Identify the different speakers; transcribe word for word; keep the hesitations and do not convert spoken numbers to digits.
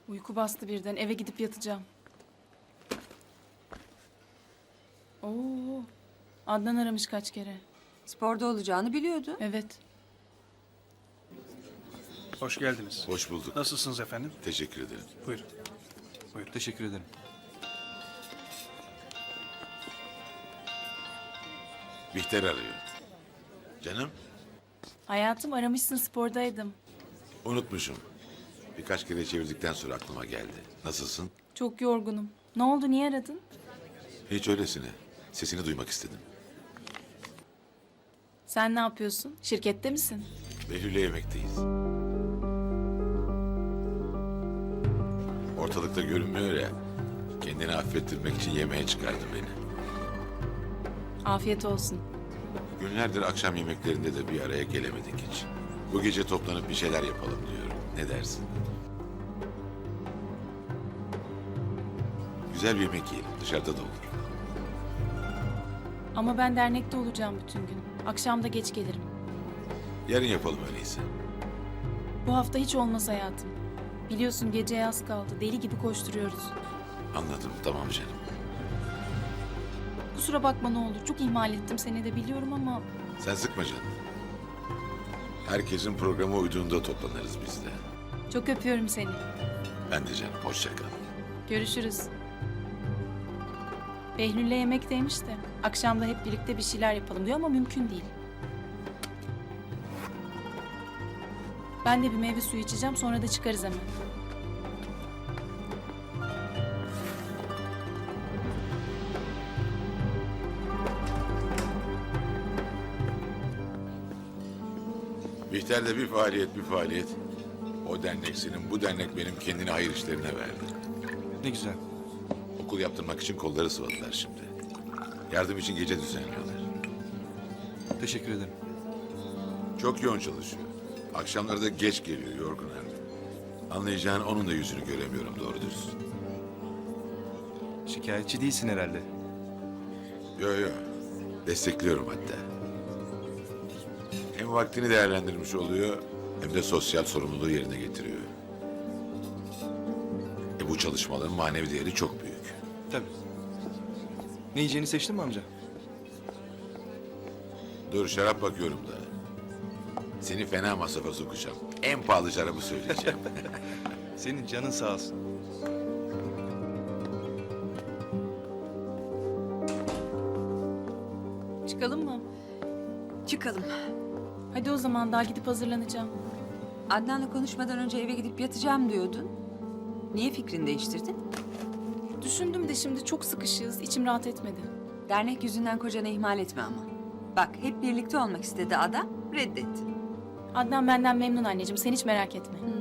Speaker 1: Uyku bastı birden. Eve gidip yatacağım. Oo. Adnan aramış kaç kere.
Speaker 2: Sporda olacağını biliyordu.
Speaker 1: Evet.
Speaker 3: Hoş geldiniz.
Speaker 4: Hoş bulduk.
Speaker 3: Nasılsınız efendim?
Speaker 4: Teşekkür ederim.
Speaker 3: Buyurun. Buyurun.
Speaker 5: Teşekkür ederim.
Speaker 4: Bihter arıyor. Canım,
Speaker 1: Hayatım aramışsın, spordaydım.
Speaker 4: unutmuşum. Birkaç kere çevirdikten sonra aklıma geldi. Nasılsın?
Speaker 1: Çok yorgunum. Ne oldu, niye aradın?
Speaker 4: Hiç öylesine. Sesini duymak istedim.
Speaker 1: Sen ne yapıyorsun? Şirkette misin?
Speaker 4: Behlül'le yemekteyiz. Ortalıkta görünmüyor ya. Kendini affettirmek için yemeğe çıkardı beni.
Speaker 1: Afiyet olsun.
Speaker 4: Günlerdir akşam yemeklerinde de bir araya gelemedik hiç. Bu gece toplanıp bir şeyler yapalım diyorum. Ne dersin? Güzel bir yemek yiyelim. Dışarıda da olur.
Speaker 1: Ama ben dernekte olacağım bütün gün. Akşam da geç gelirim.
Speaker 4: Yarın yapalım öyleyse.
Speaker 1: Bu hafta hiç olmaz hayatım. Biliyorsun geceye az kaldı. Deli gibi koşturuyoruz.
Speaker 4: Anladım. Tamam canım.
Speaker 1: Kusura bakma ne olur. Çok ihmal ettim seni de biliyorum ama...
Speaker 4: Sen sıkma canım. Herkesin programa uyduğunda toplanırız biz de.
Speaker 1: Çok öpüyorum seni.
Speaker 4: Ben de canım. Hoşça kal.
Speaker 1: Görüşürüz. Behlül'le yemekteymiş de akşam da hep birlikte bir şeyler yapalım diyor ama mümkün değil. Ben de bir meyve suyu içeceğim, sonra da çıkarız hemen.
Speaker 4: Bihter'de bir faaliyet bir faaliyet. O dernek senin, bu dernek benim, kendini hayır işlerine verdi.
Speaker 5: Ne güzel.
Speaker 4: Okul yaptırmak için kolları sıvadılar şimdi. Yardım için gece düzenliyorlar.
Speaker 5: Teşekkür ederim.
Speaker 4: Çok yoğun çalışıyor. Akşamları da geç geliyor, yorgun artık. Anlayacağın onun da yüzünü göremiyorum doğru dürüst.
Speaker 5: Şikayetçi değilsin herhalde.
Speaker 4: Yo yo, destekliyorum hatta. Hem vaktini değerlendirmiş oluyor, hem de sosyal sorumluluğu yerine getiriyor. E bu çalışmaların manevi değeri çok büyük.
Speaker 5: Tabii. Ne yiyeceğini seçtin mi amca?
Speaker 4: Dur şarap bakıyorum da. Seni fena masrafa sokacağım. En pahalı şarabı söyleyeceğim.
Speaker 5: Senin canın sağ olsun.
Speaker 1: Çıkalım mı?
Speaker 2: Çıkalım.
Speaker 1: Hadi o zaman, daha gidip hazırlanacağım.
Speaker 2: Adnan'la konuşmadan önce eve gidip yatacağım diyordun. Niye fikrini değiştirdin?
Speaker 1: Düşündüm de şimdi çok sıkışığız, içim rahat etmedi.
Speaker 2: Dernek yüzünden kocanı ihmal etme ama. Bak hep birlikte olmak istedi adam, reddetti.
Speaker 1: Adnan benden memnun anneciğim, sen hiç merak etme.
Speaker 2: Hmm.